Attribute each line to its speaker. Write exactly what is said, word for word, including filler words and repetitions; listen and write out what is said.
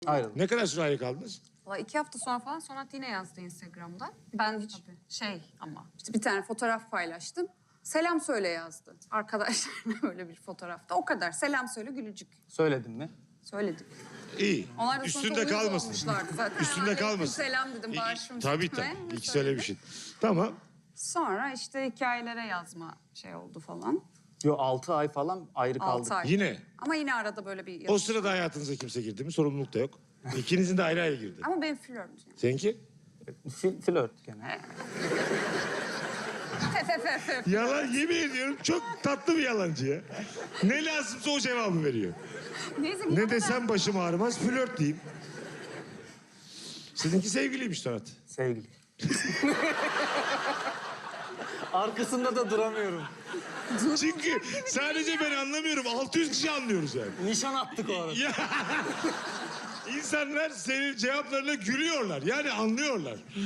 Speaker 1: Ayrıldık.
Speaker 2: Ne kadar süre ayrı kaldınız?
Speaker 3: Valla iki hafta sonra falan Sonat yine yazdı Instagram'da. Ben hiç şey ama işte bir tane fotoğraf paylaştım. Selam söyle yazdı. Arkadaşlarına böyle bir fotoğrafta. O kadar. Selam söyle gülücük.
Speaker 1: Söyledin mi?
Speaker 3: Söyledik.
Speaker 2: İyi.
Speaker 3: Onlar da
Speaker 2: Üstünde
Speaker 3: sonra uyuz
Speaker 2: kalmasın.
Speaker 3: olmuşlardı zaten.
Speaker 2: Üstünde
Speaker 3: Aleyküm
Speaker 2: kalmasın.
Speaker 3: selam dedim,
Speaker 2: İyi,
Speaker 3: bağışım
Speaker 2: Tabii
Speaker 3: üstüme.
Speaker 2: tabii. İkisi
Speaker 3: Söyledim.
Speaker 2: öyle bir şey. Tamam.
Speaker 3: Sonra işte hikayelere yazma şey oldu falan.
Speaker 1: Yo altı ay falan ayrı kaldık.
Speaker 3: Altı ay.
Speaker 2: Yine.
Speaker 3: Ama yine arada böyle bir...
Speaker 2: O sırada hayatınıza kimse girdi mi? Sorumluluk da yok. İkinizin de ayrı ayrı girdi.
Speaker 3: Ama benim flört yani.
Speaker 2: Seninki?
Speaker 1: Fil, flört gene.
Speaker 2: Yalan yemin ediyorum çok tatlı bir yalancı ya. Ne lazımsa o cevabı veriyor.
Speaker 3: Neyse,
Speaker 2: Ne desem başım ağrımaz, flört diyeyim. Sizinki sevgiliymiş Sonat.
Speaker 1: Sevgili. Arkasında da duramıyorum.
Speaker 2: Çünkü sadece ben anlamıyorum, altı yüz kişi anlıyoruz yani.
Speaker 1: Nişan attık o arada.
Speaker 2: Ya, İnsanlar senin cevaplarına gülüyorlar. Yani anlıyorlar.